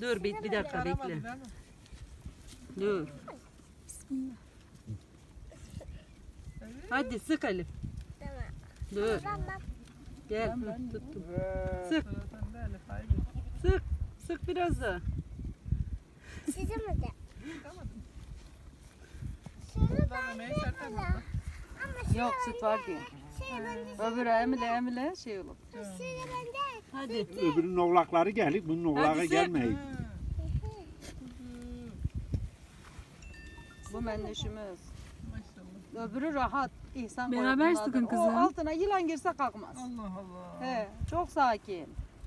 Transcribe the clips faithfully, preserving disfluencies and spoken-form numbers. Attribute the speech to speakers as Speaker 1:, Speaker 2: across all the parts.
Speaker 1: Dur bir, bir dakika bekle. Dur.
Speaker 2: Bismillah.
Speaker 1: Hadi sık Elif.
Speaker 3: Tamam.
Speaker 1: Dur.
Speaker 3: Tamam.
Speaker 1: Gel.
Speaker 2: Ben-
Speaker 1: Hı,
Speaker 2: ben-
Speaker 1: tuttum.
Speaker 4: Sık.
Speaker 1: Sık. Sık biraz daha.
Speaker 3: Size mi de? Şunu ben de Ama şunu
Speaker 1: Yok süt var diye.
Speaker 3: şey bende.
Speaker 1: Öbürü emile emile şey olur.
Speaker 3: Şunu bende.
Speaker 1: Hadi.
Speaker 4: Öbürünün oğlakları geldik. Bunun oğlağı
Speaker 1: Hadi sık.
Speaker 4: gelmeyin.
Speaker 1: Bu menneşimiz. Öbürü rahat. İhsan
Speaker 2: Beraber
Speaker 1: koyuyorlar.
Speaker 2: sıkın
Speaker 1: O
Speaker 2: kızım.
Speaker 1: altına yılan girse kalkmaz.
Speaker 5: Allah Allah.
Speaker 1: He, çok sakin.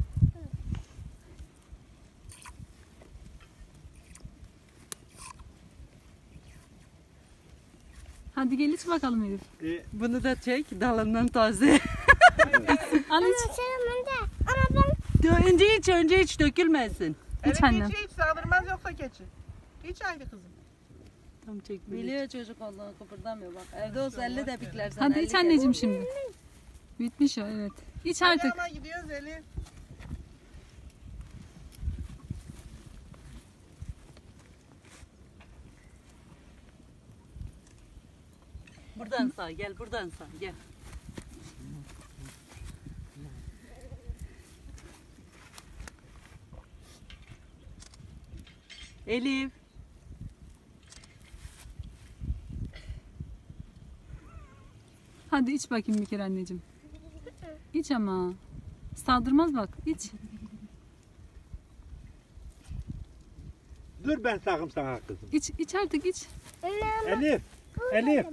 Speaker 2: Hadi gel iç bakalım Elif.
Speaker 4: E,
Speaker 1: Bunu da çek dalından taze.
Speaker 2: Al iç.
Speaker 3: Şunu bende. Ama ben
Speaker 1: önce iç önce iç dökülmesin.
Speaker 2: İç annem.
Speaker 5: Hiç hiç saldırmaz yoksa keçi. Hiç haydi kızım.
Speaker 1: Tam çek. Biliyor çocuk olduğunu kıpırdamıyor bak. Evde olsa elle de pikler sana.
Speaker 2: Hadi
Speaker 1: elli
Speaker 2: iç
Speaker 1: kere.
Speaker 2: anneciğim şimdi. Bitmiş o evet. İç
Speaker 5: Hadi
Speaker 2: artık.
Speaker 5: ama gidiyoruz Elif.
Speaker 1: Buradan sağ gel buradan sağ gel. Elif.
Speaker 2: Hadi iç bakayım bir kere anneciğim. İç ama. Saldırmaz bak. İç.
Speaker 4: dur ben sakım sana kızım.
Speaker 2: İç, iç artık iç.
Speaker 3: Anne,
Speaker 4: Elif. Elif.